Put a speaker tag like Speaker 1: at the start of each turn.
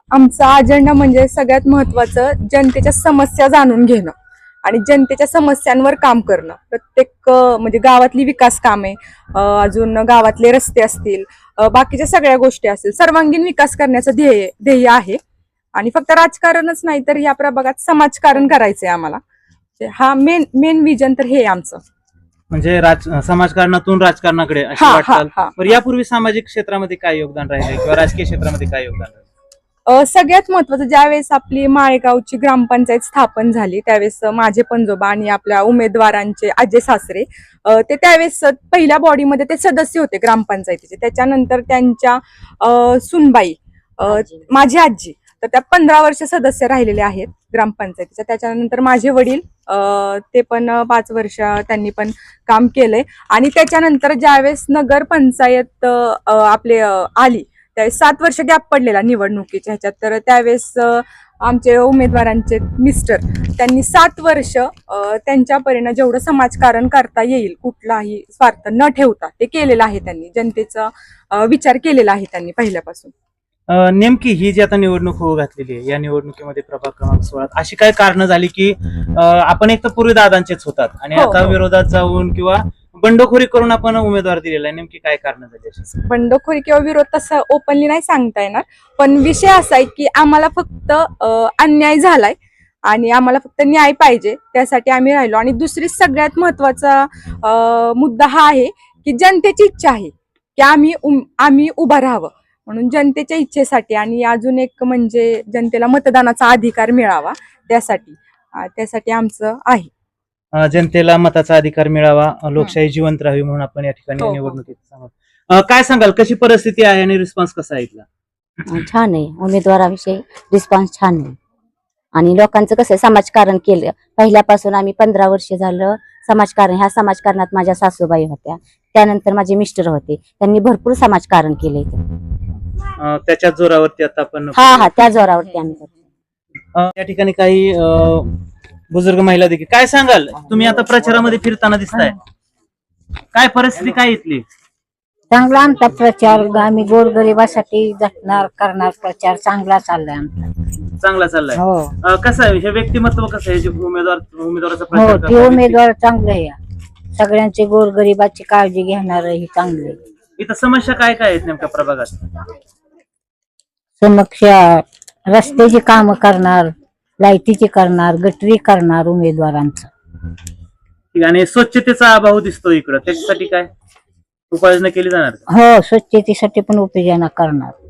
Speaker 1: आमचा अजेंडा म्हणजे सगळ्यात महत्वाचं जनतेच्या समस्या जाणून घेणं आणि जनतेच्या समस्यांवर काम करणं. प्रत्येक म्हणजे गावातली विकास कामे, अजून गावातले रस्ते असतील, बाकीच्या सगळ्या गोष्टी असतील, सर्वांगीण विकास करण्याचं ध्येय आहे. आणि फक्त राजकारणच नाही तर या प्रभागात समाजकारण करायचंय आम्हाला. हा मेन विजन तर हे आमचं.
Speaker 2: म्हणजे समाजकारणातून राजकारणाकडे अशी वाटचाल. बरं, यापूर्वी सामाजिक क्षेत्रामध्ये काय योगदान राहिले किंवा राजकीय क्षेत्रामध्ये काय योगदान राहिले?
Speaker 1: सगळ्यात महत्वाचं, ज्यावेळेस आपली माळेगावची ग्रामपंचायत स्थापन झाली त्यावेळेस माझे पणजोबा आणि आपल्या उमेदवारांचे आजे सासरे ते त्यावेळेस पहिल्या बॉडीमध्ये ते सदस्य होते ग्रामपंचायतीचे. त्याच्यानंतर त्यांच्या सुनबाई, माझी आजी, तर त्या 15 वर्ष सदस्य राहिलेले आहेत ग्रामपंचायतीच्या. त्याच्यानंतर माझे वडील, ते पण 5 वर्ष त्यांनी पण काम केलंय. आणि त्याच्यानंतर ज्यावेळेस नगर पंचायत आपले आली त्यावेळेस 7 वर्ष गॅप पडलेला निवडणुकीच्या ह्याच्यात. तर त्यावेळेस आमचे उमेदवारांचे मिस्टर त्यांनी 7 वर्ष त्यांच्या परीने जेवढं समाजकारण करता येईल कुठलाही स्वार्थ न ठेवता ते केलेलं आहे. त्यांनी जनतेचा विचार केलेला आहे त्यांनी पहिल्यापासून.
Speaker 2: नेमकी ही जी आता निवडणूक होऊ घातलेली आहे, या निवडणुकीमध्ये प्रभाग क्रमांक 16 अशी काय कारणं झाली की आपण एक तर पूर्वी दादांचेच होतात आणि आता विरोधात जाऊन किंवा बंडखोरी करून आपण उमेदवार दिलेला आहे? नेमकी काय कारण झाली?
Speaker 1: बंडखोरी किंवा विरोध तसं ओपनली नाही सांगता येणार, पण विषय असा आहे की आम्हाला फक्त अन्याय झालाय आणि आम्हाला फक्त न्याय पाहिजे, त्यासाठी आम्ही राहिलो. आणि दुसरी सगळ्यात महत्वाचा मुद्दा हा आहे की जनतेची इच्छा आहे की आम्ही उभं राहावं, म्हणून जनतेच्या इच्छेसाठी. आणि अजून एक म्हणजे जनतेला मतदानाचा अधिकार मिळावा, त्यासाठी आमचं आहे.
Speaker 2: जनतेला मताचा अधिकार मिळावा, लोकशाही जिवंत राहावी म्हणून आपण या ठिकाणी निवडणुकीत सांगतो. काय सांगाल, कशी परिस्थिती आहे आणि रिस्पॉन्स कसा आहे इथला?
Speaker 3: छान आहे, उमेदवाराविषयी रिस्पॉन्स छान आहे. आणि लोकांचं कसं समाजकारण केलं पहिल्यापासून. आम्ही 15 वर्ष झालं समाजकारण, ह्या समाजकारणात माझ्या सासूबाई होत्या, त्यानंतर माझे मिस्टर होते, त्यांनी भरपूर समाजकारण केले.
Speaker 2: त्याच्या जोरावरती आता आपण
Speaker 3: त्या जोरावरती आम्ही करतो.
Speaker 2: या ठिकाणी काही बुजुर्ग महिला देखील. काय सांगाल, तुम्ही आता प्रचारामध्ये फिरताना दिसताय, काय परिस्थिती काय इथली?
Speaker 4: चांगला आमचा प्रचार, आम्ही गोरगरिबासाठी झटणार करणार प्रचार चांगला चाललाय आमचा.
Speaker 2: चांगला चाललाय.
Speaker 4: हो.
Speaker 2: कसं आहे हे व्यक्तिमत्व, कसं आहे जे उमेदवाराचा
Speaker 4: हो,
Speaker 2: प्रचार
Speaker 4: ते उमेदवार चांगले आहे, सगळ्यांचे गोरगरिबाची काळजी घेणार हे चांगले.
Speaker 2: इथं समस्या काय काय आहेत नेमक्या प्रभागात?
Speaker 4: समस्या रस्त्याची कामं करणार, लाईटीची करणार, गटरी करणार उमेदवारांचं.
Speaker 2: आणि स्वच्छतेचा अभाव दिसतो इकडं, त्याच्यासाठी काय उपाययोजना केली जाणार?
Speaker 4: हो, स्वच्छतेसाठी पण उपाययोजना करणार.